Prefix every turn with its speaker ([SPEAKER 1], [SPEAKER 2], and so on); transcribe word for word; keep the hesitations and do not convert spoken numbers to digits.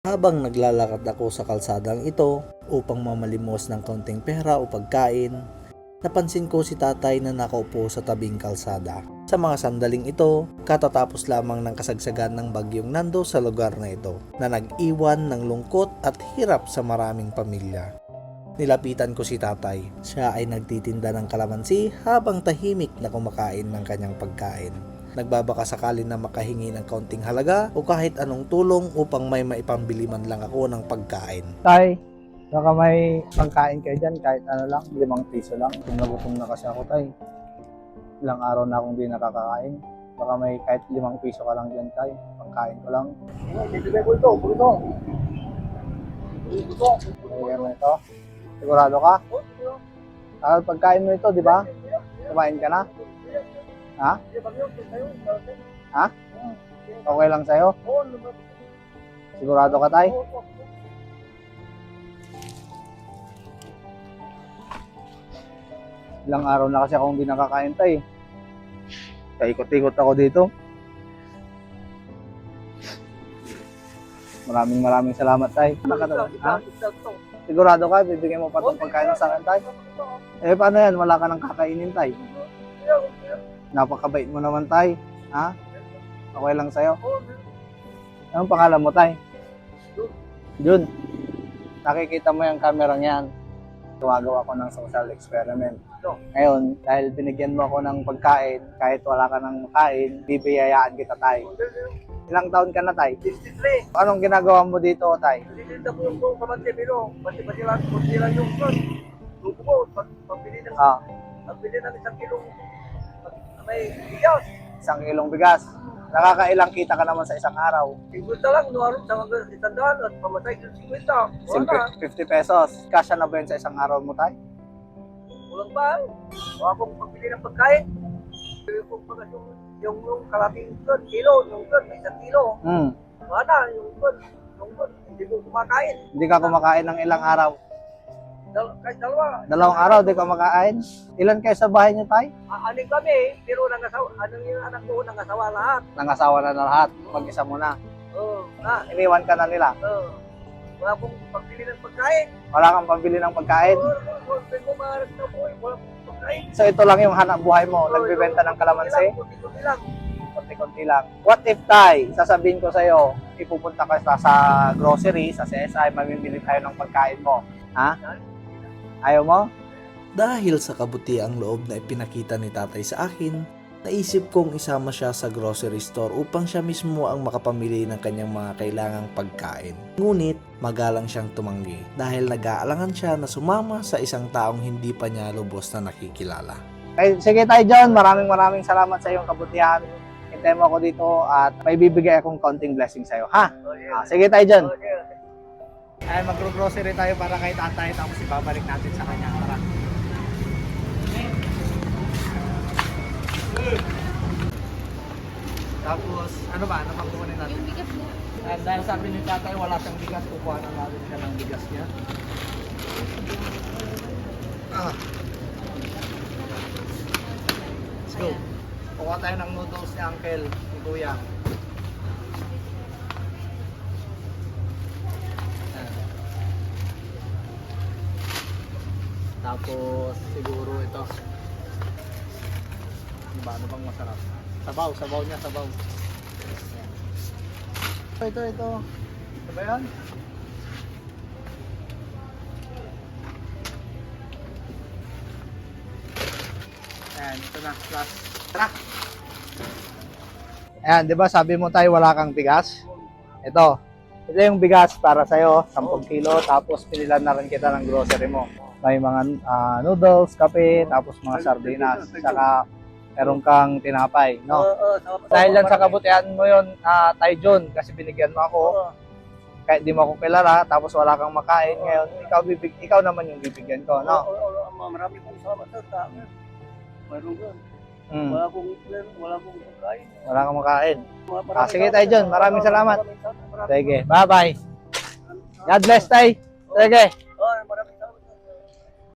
[SPEAKER 1] Habang naglalakad ako sa kalsadang ito upang mamalimos ng kaunting pera o pagkain, napansin ko si tatay na nakaupo sa tabing kalsada. Sa mga sandaling ito, katatapos lamang ng kasagsagan ng bagyong Nando sa lugar na ito na nag-iwan ng lungkot at hirap sa maraming pamilya. Nilapitan ko si tatay. Siya ay nagtitinda ng kalamansi habang tahimik na kumakain ng kanyang pagkain. Nagbabaka sakali na makahingi ng kaunting halaga o kahit anong tulong upang may maipambili man lang ako ng pagkain.
[SPEAKER 2] Tay, baka may pagkain kayo dyan, kahit ano lang, limang piso lang. Kung nagutom na kasi ako, tay. Ilang araw na akong di nakakakain. Baka may kahit limang piso ka lang dyan, tay. Pagkain ko lang. Bibigay ko ito, buto. Buto. Bibigay mo ito. Sigurado ka? Ah, pagkain mo ito, di ba? Kumain ka na? Ha? Ha? Okay lang sa'yo? Sigurado ka, tay? Ilang araw na kasi akong hindi nakakain, tay. Kaikot-ikot ako dito. Maraming maraming salamat, tay. Ha? Sigurado ka, bibigyan mo pa itong pagkain sa akin, tay? Eh, paano yan? Wala ka nang kakainin, tay. Napakabait mo naman, tay. Ha? Okay lang sa'yo? Anong pangalan mo, tay? Jun. Nakikita mo yung camera niyan. Gumagawa ko ng social experiment. Ngayon, dahil binigyan mo ako ng pagkain, kahit wala ka ng kain, bibiyayaan kita, tay. Ilang taon ka na, tay?
[SPEAKER 3] sixty-three.
[SPEAKER 2] Anong ginagawa mo dito, tay?
[SPEAKER 3] Nililinda ko yung kamante, pero pati-pati lang, pati lang yung son. Luto ko, pambili ng,
[SPEAKER 2] Ah,
[SPEAKER 3] pambili ng isang kilong may bigas.
[SPEAKER 2] isang kilong bigas. Nakakailang kita ka naman sa isang araw?
[SPEAKER 3] Sigurta lang, nuwarong sa mga isandaan at pamatay ng fifty. Wala.
[SPEAKER 2] fifty pesos. Kasya na ba yun sa isang araw mo, tay?
[SPEAKER 3] Walang ba? Wala akong pambili ng pagkain. Yung, yung, yung, yung kalating son, kilo, yung son, may isang kilo.
[SPEAKER 2] Hmm.
[SPEAKER 3] Wala, yung son, yung son, hindi ko kumakain.
[SPEAKER 2] Hindi ka kumakain ng ilang araw?
[SPEAKER 3] Dal kahit dalawa.
[SPEAKER 2] Dalawang araw, di ka kumakain? Ilan kayo sa bahay niyo, tay?
[SPEAKER 3] Aaning kami, pero nangasawa, anong yung anak ko, nangasawa lahat.
[SPEAKER 2] Nangasawa na na lahat. Mag-isa mo na.
[SPEAKER 3] Oo, na,
[SPEAKER 2] Iniwan ka na nila.
[SPEAKER 3] oo. Wala akong pambili ng pagkain.
[SPEAKER 2] Wala kang pambili ng pagkain.
[SPEAKER 3] Oo, oo, oo, ko maharap na po, eh, wala akong pagkain.
[SPEAKER 2] So ito lang yung hanap buhay mo. Nagbibenta ng kalamansi.
[SPEAKER 3] Kunti-kunti lang.
[SPEAKER 2] Konti-konti lang. What if, tay, sasabihin ko sa'yo, ipupunta ka sa, sa grocery, sa C S I, mamimili tayo ng pagkain mo. Ha? Ayaw mo?
[SPEAKER 1] Dahil sa kabutiang loob na ipinakita ni tatay sa akin, naisip kong isama siya sa grocery store upang siya mismo ang makapamili ng kanyang mga kailangang pagkain. Ngunit magalang siyang tumanggi dahil nag-aalangan siya na sumama sa isang taong hindi pa niya lubos na nakikilala.
[SPEAKER 2] Okay, sige tayo, John. Maraming maraming salamat sa iyong kabutihan. Hintayin mo ako dito at may bibigay akong konting blessing sa'yo, ha?
[SPEAKER 3] Oh, yeah.
[SPEAKER 2] Ah, sige tayo, John.
[SPEAKER 3] Oh, yeah.
[SPEAKER 2] Ay, mag-grocery tayo para kay tatay tapos ibabalik natin sa kanya. Tara. Tapos, ano ba? Ano pang kukunin natin?
[SPEAKER 4] Yung bigas niya.
[SPEAKER 2] And dahil sabi ni tatay wala siyang bigas, kukuha na natin siya ng bigas niya. Ah. Let's go. Kukuha tayo ng noodles ni Uncle, ni Kuya. Tapos siguro ito. Ano ba? Ano bang masarap? Sabaw, sabaw niya, sabaw. Ayan. Ito, ito, ito. Ito ba yan? Ayan, ito na, last. Tara! Ayan, di ba sabi mo tayo wala kang bigas? Ito. Ito yung bigas para sa'yo, ten kilo, tapos pinilan na rin kita ng grocery mo. May mga uh, noodles, kape, tapos mga sardinas, saka meron kang tinapay, no?
[SPEAKER 3] Oo, oo, tama.
[SPEAKER 2] Dahil yan sa kabutihan mo yun, uh, Tay John, kasi binigyan mo ako,
[SPEAKER 3] Oo.
[SPEAKER 2] kahit di mo ako kilala, tapos wala kang makain, ngayon, ikaw, bibig, ikaw naman yung bibigyan ko, no?
[SPEAKER 3] Oo, oo, oo, marami kong salamat sa tama. Mayroon ka.
[SPEAKER 2] Mm,
[SPEAKER 3] Wala akong, wala akong pagkain.
[SPEAKER 2] wala kang makain.
[SPEAKER 3] Maraming
[SPEAKER 2] Ah, sige,
[SPEAKER 3] salamat.
[SPEAKER 2] Tay John, maraming salamat.
[SPEAKER 3] Maraming salamat.
[SPEAKER 2] Sige, bye-bye. God bless, Tay. Sige.